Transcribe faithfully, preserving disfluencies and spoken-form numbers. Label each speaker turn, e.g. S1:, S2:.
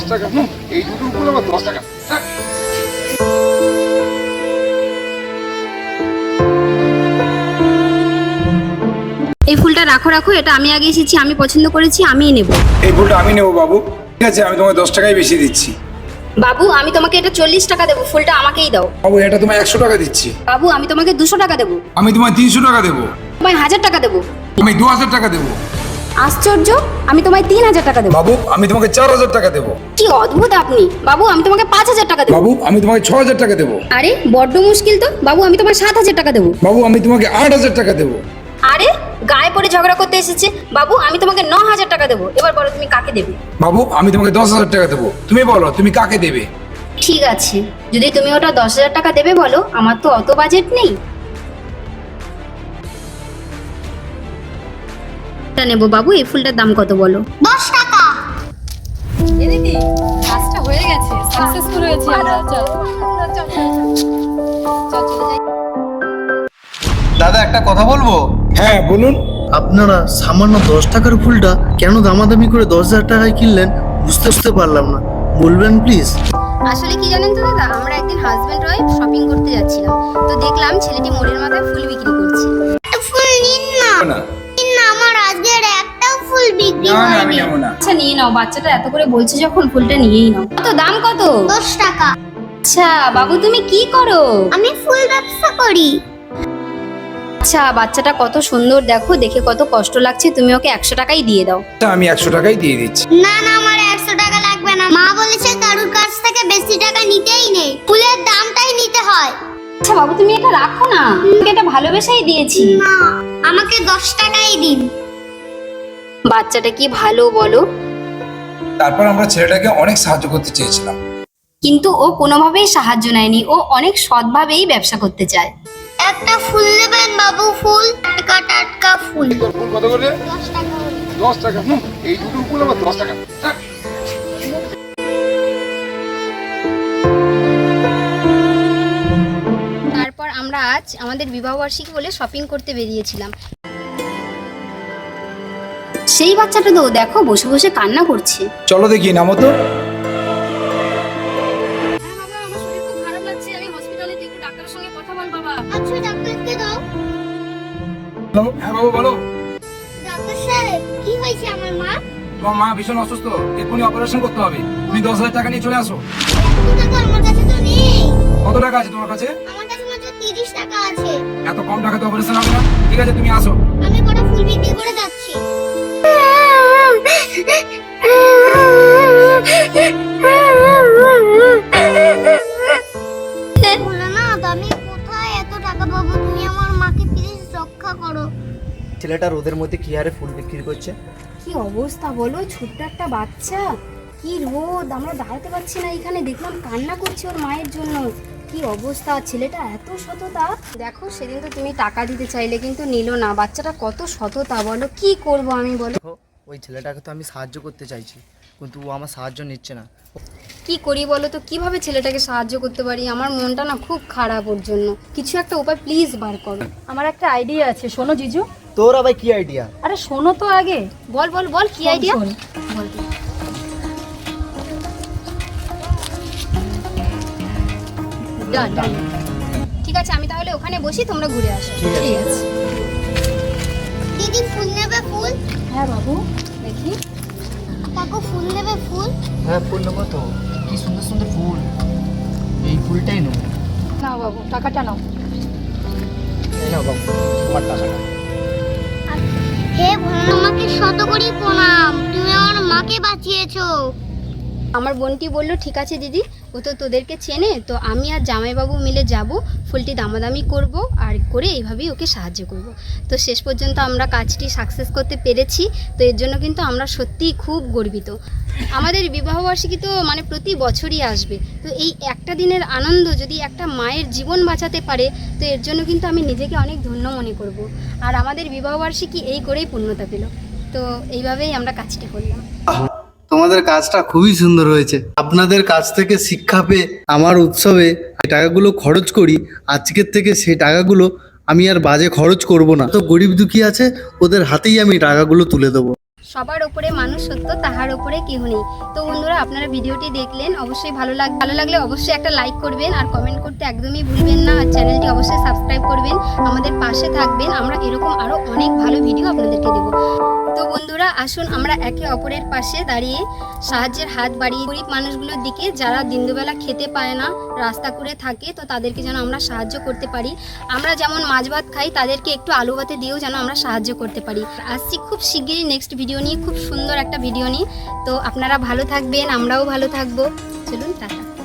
S1: টাকা। হুম, এই দুটো উপরে আবার দশ টাকা।
S2: এই ফুলটা রাখো রাখো, এটা আমি আগে এসেছি, আমি পছন্দ করেছি, আমিই নেব।
S1: এই ফুলটা আমি নেবো বাবু। ঠিক আছে, আমি তোমাকে দশ টাকাই বেশি দিচ্ছি।
S2: বাবু আমি তোমাকে এটা চল্লিশ টাকা দেবো, ফুলটা আমাকেই দাও।
S1: বাবু এটা তোমায় একশো টাকা দিচ্ছি।
S2: বাবু আমি তোমাকে দুশো টাকা দেবো।
S1: আমি তোমায় তিনশো টাকা দেবো।
S2: তোমায় হাজার টাকা দেবো।
S1: আমি দু হাজার টাকা দেবো।
S2: আশ্চর্য, আমি তোমায় তিন হাজার টাকা দেবো।
S1: বাবু আমি তোমাকে চার হাজার টাকা দেবো।
S2: কি অদ্ভুত আপনি। বাবু আমি তোমাকে পাঁচ হাজার টাকা দেবো।
S1: বাবু আমি তোমাকে ছ হাজার টাকা দেবো।
S2: আরে বড্ড মুশকিল তো। বাবু আমি তোমার সাত হাজার টাকা দেবো।
S1: বাবু আমি তোমাকে আট হাজার টাকা দেবো।
S2: আরে গায়ে পড়ে ঝগড়া করতে এসেছে। বাবু আমি তোমাকে ন হাজার টাকা দেবো। এবার বলো তুমি কাকে দেবে।
S1: বাবু আমি তোমাকে দশ হাজার টাকা দেবো। তুমি বলো তুমি কাকে দেবে।
S2: ঠিক আছে, যদি তুমি ওটা দশ হাজার টাকা দেবে বলো, আমার তো অত বাজেট নেই। এটা নেবো। বাবু এই ফুলটার দাম কত বলো।
S3: দশ টাকা।
S4: এ দিদি, কাজটা হয়ে গেছে, সাকসেসফুল হয়েছি আমরা। চল চল চল চলে যাই।
S5: দাদা একটা কথা বলবো।
S1: হ্যাঁ বলুন।
S5: আপনারা সামান্য দশ টাকার ফুলটা কেন দামাদামি করে দশ হাজার টাকায় কিনলেন বুঝতে বুঝতে পারলাম না, বলবেন প্লিজ।
S2: আসলে কি জানেন তো দাদা, আমরা একদিন হাজবেন্ড ওয়াইফ শপিং করতে যাচ্ছিলাম, তো দেখলাম ছেলেটি মোড়ের মাথায় ফুল বিক্রি করছে।
S3: ফুল নিন না।
S1: না
S3: নিন না, আমার আজকের একটাও ফুল বিক্রি
S1: না, আমি
S3: হয়নি।
S1: নেবো না।
S2: আচ্ছা নিয়ে নাও, বাচ্চাটা এত করে বলছে যখন ফুলটা নিয়েই নাও। কত দাম কত?
S3: দশ টাকা।
S2: আচ্ছা বাবু তুমি কি করো?
S3: আমি ফুল ব্যবসা করি।
S2: আচ্ছা বাচ্চাটা কত সুন্দর, দেখো দেখে কত কষ্ট লাগছে, তুমি ওকে একশো টাকাই দিয়ে দাও।
S1: আচ্ছা, আমি একশো টাকাই দিয়ে দিচ্ছি।
S3: না না, আমার একশো টাকা লাগবে না। মা বলেছে কারুর কাছ থেকে বেশি টাকা নিতেই নেই, ফুলের দামটাই নিতে হয়।
S2: আচ্ছা বাবু তুমি এটা রাখো না, তোমাকে এটা ভালোবেসেই দিয়েছি।
S3: না, আমাকে দশ টাকাই দিন।
S2: বাচ্চাটা কি ভালো বলো।
S1: তারপর আমরা ছেলেটাকে অনেক সাহায্য করতে চেয়েছিলাম।
S2: কিন্তু ও কোনোভাবেই সাহায্য নেয়নি, ও অনেক সৎভাবেই ব্যবসা করতে চায়।
S3: একটা ফুল নেবেন বাবু? ফুল টাটকা টাটকা ফুল।
S1: ফুল কত করে?
S3: দশ টাকা করে।
S1: দশ টাকা। হুম, এই দুটো ফুল আবার দশ টাকা।
S2: তারপর আমরা আজ আমাদের বিবাহবার্ষিকী বলে শপিং করতে বেরিয়েছিলাম। সেই বাচ্চাটা তো দেখো বসে বসে কান্না করছে।
S1: চলো দেখি নামো তো।
S3: আচ্ছা ডাক্তারকে দাও।
S1: হ্যালো, হ্যাঁ বাবু বলো।
S3: ডাক্তার সাহেব, কি হয়েছে আমার মা?
S1: তোমার মা ভীষণ অসুস্থ, এক্ষুনি অপারেশন করতে হবে। তুমি দশ হাজার টাকা নিয়ে চলে আসো।
S3: এত টাকা আমার কাছে তো নেই।
S1: কত টাকা আছে তোমার কাছে?
S3: আমার কাছে মাত্র তিরিশ টাকা আছে।
S1: এত কম টাকাতে অপারেশন হবে না। ঠিক আছে তুমি আসো।
S3: আমি কটা ফুল বিক্রি করে যাচ্ছি। ভোলানাথ, আমি কোথায় এত টাকা পাবো? তুমি আমার মাকে প্লিজ রক্ষা করো।
S5: ছেলেটা রোদের মধ্যে কি হারে ফুল বিক্রি করছে।
S2: কি অবস্থা বলো, ছোট্ট একটা বাচ্চা, কি রোদ, আমরা দাঁড়াতে পারছি না এখানে। দেখলাম কান্না করছে ওর মায়ের জন্য। কি অবস্থা, ছেলেটা এত সততা। দেখো সেদিন তো তুমি টাকা দিতে চাইলে কিন্তু নিল না। বাচ্চাটা কত সততা বলো, কি করব আমি বলো।
S5: দেখো, ওই ছেলেটাকে তো আমি সাহায্য করতে চাইছি, কিন্তু ও আমার সাহায্য নিচ্ছে না।
S2: কি করি বলো তো, কিভাবে ছেলেটাকে সাহায্য করতে পারি? আমার মনটা না খুব খারাপ ওর জন্য। কিছু একটা উপায় প্লিজ বার করো।
S4: আমার একটা আইডিয়া আছে, শোনো জিজু।
S5: তোর আবার কি আইডিয়া?
S4: আরে শোনো তো আগে।
S2: বল বল বল, কি আইডিয়া
S4: শোন।
S2: বল তুই।
S4: ডান ডান।
S2: ঠিক আছে আমি তাহলে ওখানে বসি, তোমরা ঘুরে আসো।
S4: ঠিক আছে।
S3: দিদি ফুল নেবে? ফুল
S4: হ্যাঁ বাবু দেখি।
S3: কাকু ফুল নেবে? ফুল
S5: হ্যাঁ ফুল নেবো তো, কি সুন্দর সুন্দর ফুল, এই ফুলটাই নেবো।
S4: নাও বাবু টাকাটা নাও।
S5: এই নাও বাবু তোমার টাকাটা।
S3: হে ভোলানাথ, মাকে শত করি প্রণাম, তুমি আমার মাকে বাঁচিয়েছো।
S2: আমার বোনটি বলল ঠিক আছে দিদি, ও তো তোদেরকে চেনে, তো আমি আর জামাইবাবু মিলে যাব, ফুলটি দামাদামি করব, আর করে এইভাবেই ওকে সাহায্য করব। তো শেষ পর্যন্ত আমরা কাজটি সাকসেস করতে পেরেছি। তো এর জন্য কিন্তু আমরা সত্যিই খুব গর্বিত। আমাদের বিবাহবার্ষিকী তো মানে প্রতি বছরই আসবে, তো এই একটা দিনের আনন্দ যদি একটা মায়ের জীবন বাঁচাতে পারে, তো এর জন্য কিন্তু আমি নিজেকে অনেক ধন্য মনে করব। আর আমাদের বিবাহবার্ষিকী এই করেই পূর্ণতা পেল। তো এইভাবেই আমরা কাজটি করলাম।
S5: তোমাদের কাজটা খুবই সুন্দর হয়েছে। আপনাদের কাছ থেকে শিক্ষা পেয়ে আমার উৎসবে যে টাকাগুলো খরচ করি, আজকের থেকে সেই টাকাগুলো আমি আর বাজে খরচ করব না। তো গরিব দুঃখী আছে, ওদের হাতেই আমি টাকাগুলো তুলে দেবো।
S2: সবার ওপরে মানুষ সত্য, তাহার ওপরে কেহ নেই। তো বন্ধুরা, আপনারা ভিডিওটি দেখলেন, অবশ্যই ভালো লাগ ভালো লাগলে অবশ্যই একটা লাইক করবেন আর কমেন্ট করতে একদমই ভুলবেন না। আর চ্যানেলটি অবশ্যই সাবস্ক্রাইব করবেন, আমাদের পাশে থাকবেন। আমরা এরকম আরও অনেক ভালো ভিডিও আপনাদেরকে দেবো। তো বন্ধুরা, আসুন আমরা একে অপরের পাশে দাঁড়িয়ে সাহায্যের হাত বাড়িয়ে গরিব মানুষগুলোর দিকে, যারা দিনদুবেলা খেতে পায় না, রাস্তা করে থাকে, তো তাদেরকে যেন আমরা সাহায্য করতে পারি। আমরা যেমন মাছ ভাত খাই, তাদেরকে একটু আলু ভাতে দিয়েও যেন আমরা সাহায্য করতে পারি। আসছি খুব শিগগিরই নেক্সট ভিডিও নিয়ে, খুব সুন্দর একটা ভিডিও নিয়ে। তো আপনারা ভালো থাকবেন, আমরাও ভালো থাকবো। চলুন, টাটা।